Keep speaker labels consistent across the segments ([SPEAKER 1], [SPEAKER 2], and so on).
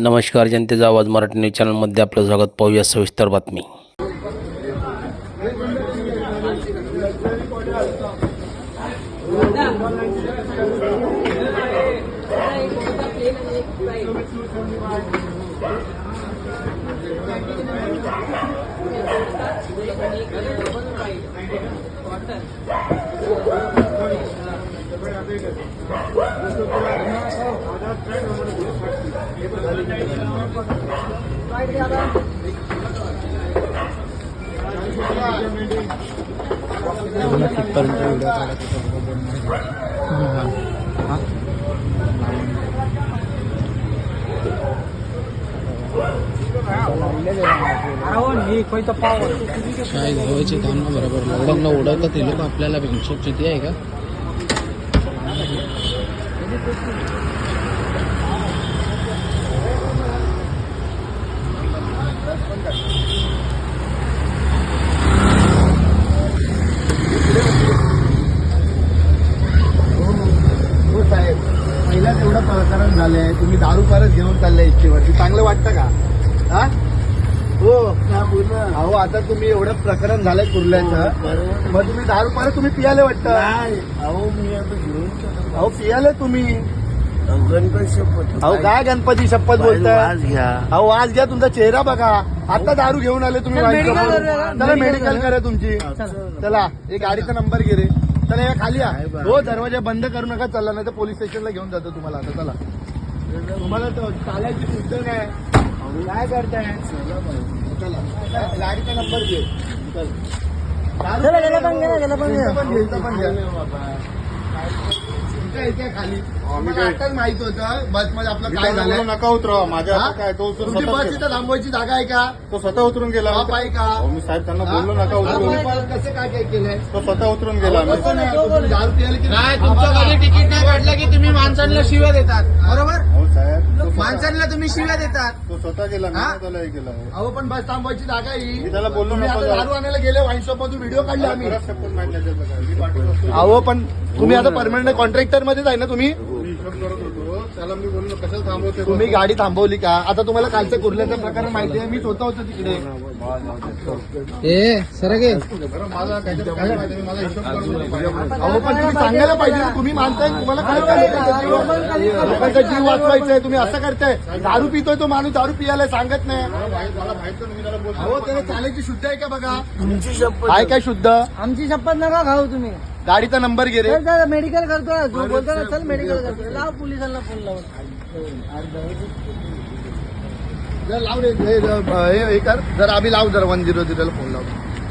[SPEAKER 1] नमस्कार, जनतेचा आवाज मराठी न्यूज चॅनलमध्ये आपलं स्वागत. पाहूया सविस्तर बातमी.
[SPEAKER 2] काय घ्यायचे काम बरोबर लॉकडाऊनला उडवतात ते लोक आपल्याला बेंचोप किती आहे का.
[SPEAKER 3] पहिल्याच एवढं प्रकरण झालंय, तुम्ही दारू परत घेऊन चाललाय इच्छेवरती, चांगलं वाटतं का? हा हो अहो, आता तुम्ही एवढं प्रकरण झालंय कुर्ल्याचं, मग तुम्ही दारू परत तुम्ही पियाले वाटतं?
[SPEAKER 4] अहो मी आता घेऊन
[SPEAKER 3] अहो पियाले तुम्ही.
[SPEAKER 4] गणपती शपथ.
[SPEAKER 3] अहो काय गणपती शपथ बोलताय?
[SPEAKER 4] आज घ्या.
[SPEAKER 3] अहो आज घ्या, तुमचा चेहरा बघा. आता दारू घेऊन आले तुम्ही. चला मेडिकल करा तुमची. चला एक गाडीचा नंबर घे रे. चला या खाली या. हो दरवाजा बंद करू नका. चला नाही तर पोलीस स्टेशनला घेऊन जातो तुम्हाला. आता चला, तुम्हाला चालायची सुद्धा नाही. काय करताय? चला गाडीचा नंबर घे. इथे खाली आताच माहित होतं बस मध्ये आपलं काय झालं.
[SPEAKER 5] नका उतरवा माझ्या काय तो
[SPEAKER 3] तुमची बस इथं थांबवायची जागा आहे का?
[SPEAKER 5] तो स्वतः उतरून गेला.
[SPEAKER 3] बाप आहे का?
[SPEAKER 5] मी साहेब त्यांना बोललो नका उतरू.
[SPEAKER 3] कसं काय काय केलंय?
[SPEAKER 5] तो स्वतः उतरून गेला.
[SPEAKER 3] कसं नाही, तुम्ही दारू प्यायला की
[SPEAKER 2] नाही, तुमच्याकडे तिकीट नाही काढलं की तुम्ही माणसांना शिव्या देतात. बरोबर,
[SPEAKER 5] हो साहेब,
[SPEAKER 2] माणसांना तुम्ही शिव्या देतात.
[SPEAKER 5] तो स्वतः गेला. मी नाही त्याला हे केलं.
[SPEAKER 3] अहो पण बस थांबवायची जागा आहे ही.
[SPEAKER 5] मी त्याला बोललो
[SPEAKER 3] तुम्ही
[SPEAKER 5] नको
[SPEAKER 3] आता
[SPEAKER 5] जाऊ.
[SPEAKER 3] दारू आणायला गेले वाईन शॉप मधून व्हिडिओ काढले आम्ही.
[SPEAKER 5] परत शपथ मारल्या त्याचं काय. मी पाठवलं.
[SPEAKER 3] अहो पण तुम्ही आता परमनंट कॉन्ट्रॅक्टर मध्येच आहे ना तुम्ही?
[SPEAKER 5] मी हिशोब करत होतो. त्याला मी बोललो कशाला थांबवते.
[SPEAKER 3] तुम्ही गाडी थांबवली का? आता तुम्हाला कालचं कुर्ल्याचं प्रकरण माहिती आहे. मी स्वतः होतो तिकडे.
[SPEAKER 2] ए सर गे
[SPEAKER 5] बरं माझा काहीतरी काय माहिती. मी माझा हिशोब करत होतो.
[SPEAKER 3] अहो पण तुम्ही सांगायला पाहिजे ना. तुम्ही मानताय, तुम्हाला काय लोकांचा जीव वाचवायचा आहे, तुम्ही असं करताय. दारू पितोय तो माणूस, दारू पियाला सांगत नाही.
[SPEAKER 5] मला माहिती मी त्याला बोलतो.
[SPEAKER 3] अहो त्याला चालायची शुद्ध आहे का बघा?
[SPEAKER 4] तुमची शपथ.
[SPEAKER 3] आहे काय शुद्ध?
[SPEAKER 6] आमची शपथ नका खाऊ तुम्ही.
[SPEAKER 3] गाडीचा नंबर घे रे.
[SPEAKER 6] मेडिकल करतो ना, जो बोलतो ना चल मेडिकल करतो. लाव पोलिसांना फोन लावून.
[SPEAKER 3] जर लाव रे, हे कर जर आम्ही लाव जर 100 ला फोन लाव.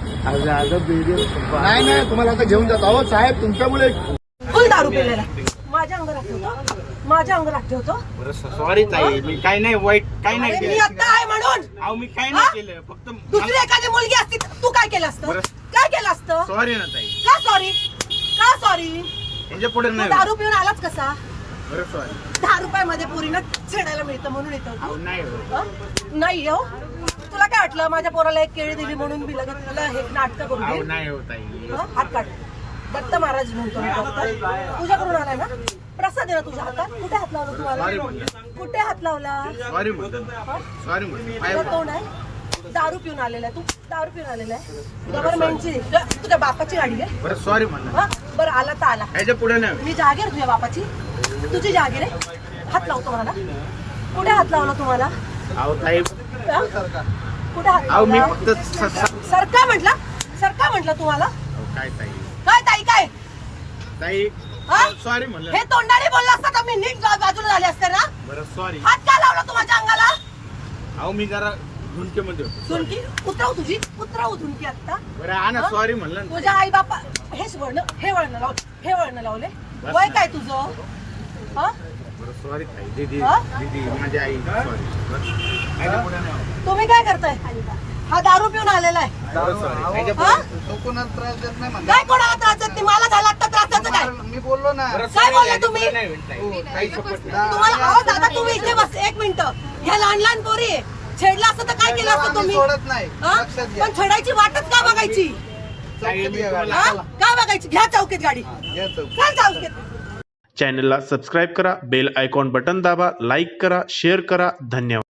[SPEAKER 3] नाही नाही, तुम्हाला आता घेऊन जातो. अहो साहेब तुमच्यामुळे
[SPEAKER 6] फुल दारू पिलेला माझ्या अंगात ठेवतो, माझ्या अंगात ठेवतो.
[SPEAKER 2] सॉरी ताई, मी काही नाही वाईट काही नाही
[SPEAKER 6] अरे, मी
[SPEAKER 2] केलं.
[SPEAKER 6] आता आहे म्हणून.
[SPEAKER 2] अहो मी काही
[SPEAKER 6] हा?
[SPEAKER 2] नाही केलं. फक्त
[SPEAKER 6] दुसरी एखादी मुलगी असती तर तू काय केलं असतं? काय केलं असतं?
[SPEAKER 2] सॉरी ना ताई.
[SPEAKER 6] का सॉरी? का सॉरी?
[SPEAKER 2] त्याच्या पुढे
[SPEAKER 6] तू
[SPEAKER 2] नाही.
[SPEAKER 6] दारू पिऊन आलाच कसा?
[SPEAKER 2] बरं सॉरी.
[SPEAKER 6] 10 रुपयामध्ये पोरीनं छेडायला मिळतं म्हणून येतो.
[SPEAKER 2] अहो नाही हो.
[SPEAKER 6] नाही हो, तुला काय वाटलं माझ्या पोराला एक केळी दिली म्हणून मी लगेच तुला हे नाटक करून
[SPEAKER 2] अहो
[SPEAKER 6] देईन?
[SPEAKER 2] नाही हो ताई.
[SPEAKER 6] हं? हात काढ. दत्त महाराज म्हणतो मी फक्त. तुझ्याकडून आलाय ना प्रसाद आहे ना तुझ्या हातात. कुठे हात लावला तुम्हाला? कुठे हात लावला?
[SPEAKER 2] सॉरी म्हणतो. सॉरी म्हणतो.
[SPEAKER 6] तुझं तोंड आहे. दारू पिऊन आलेला आहे तू. दारू पिऊन आलेला आहे. गव्हर्नमेंटची तुझ्या बापाची गाडी आहे.
[SPEAKER 2] बरं सॉरी म्हणलं.
[SPEAKER 6] हं? बरं आला तर आला.
[SPEAKER 2] याच्या पुढे नाही.
[SPEAKER 6] मी जागीर तुझ्या बापाची. तुझी जागीर आहे. हात लावतो मला. कुठे हात लावला तुम्हाला?
[SPEAKER 2] अहो ताई,
[SPEAKER 6] हं? कुठे हात
[SPEAKER 2] अहो मी
[SPEAKER 6] लावला?
[SPEAKER 2] फक्त
[SPEAKER 6] सरका म्हटला. सरका म्हटलं तुम्हाला.
[SPEAKER 2] काय ताई.
[SPEAKER 6] काय ताई काय?
[SPEAKER 2] ताई
[SPEAKER 6] हा?
[SPEAKER 2] सॉरी म्हणलं.
[SPEAKER 6] हे तोंडाने बोलला असता तर मी नीट बाजूला झाले असते ना.
[SPEAKER 2] बरं सॉरी.
[SPEAKER 6] हात का लावला तू माझ्या अंगाला?
[SPEAKER 2] अहो मी जरा झुंकेमध्ये होतो.
[SPEAKER 6] झुणकी उतरव तुझी. उतरव झुणकी आता.
[SPEAKER 2] बरं हा ना
[SPEAKER 6] हा?
[SPEAKER 2] सॉरी म्हणलं ना.
[SPEAKER 6] तुझ्या आई बापा हेच वळण हे वळण लाव. हे वळण लावले.
[SPEAKER 2] बस
[SPEAKER 6] वय
[SPEAKER 2] ना.
[SPEAKER 6] काय तुझं? हा?
[SPEAKER 2] बरं सॉरी ताई. दीदी
[SPEAKER 6] हा?
[SPEAKER 2] दीदी माझी आई सॉरी. याच्या पुढे नाही.
[SPEAKER 6] तुम्ही काय करताय? हा दारू पिऊन आलेला आहे.
[SPEAKER 2] बरं सॉरी. याच्या
[SPEAKER 6] हा?
[SPEAKER 4] तो कोणाला त्रास देत नाही म्हणा.
[SPEAKER 6] काय कोणाला त्रास देत नाही? मला झाला आता त्रास द्यायचं काय?
[SPEAKER 4] मी बोललो ना.
[SPEAKER 2] बरं,
[SPEAKER 6] काय
[SPEAKER 2] sorry,
[SPEAKER 6] बोलले
[SPEAKER 2] याच्या
[SPEAKER 6] तुम्ही?
[SPEAKER 2] पुढे नाही होईल ताई. काही शपथ नाही.
[SPEAKER 6] तुम्हाला अहो दादा तुम्ही इथे बस एक मिनिट. ह्या लहान लहान पोरी आहे. छेडला असतं तर काय केलं असतं
[SPEAKER 4] आम्ही
[SPEAKER 6] तुम्ही?
[SPEAKER 4] सोडत नाही.
[SPEAKER 6] हा?
[SPEAKER 4] लक्षात घ्या.
[SPEAKER 6] पण छेडायची वाटच का बघायची?
[SPEAKER 2] ताई, मी
[SPEAKER 4] चौकीत
[SPEAKER 2] तुम्हाला-
[SPEAKER 6] हा? का बघायची? घ्या चौकीत गाडी.
[SPEAKER 4] घ्या चौकीत.
[SPEAKER 6] चल चौकीत.
[SPEAKER 7] चॅनलला सबस्क्राईब करा, बेल आयकॉन बटन दाबा, लाईक करा, शेअर करा. धन्यवाद.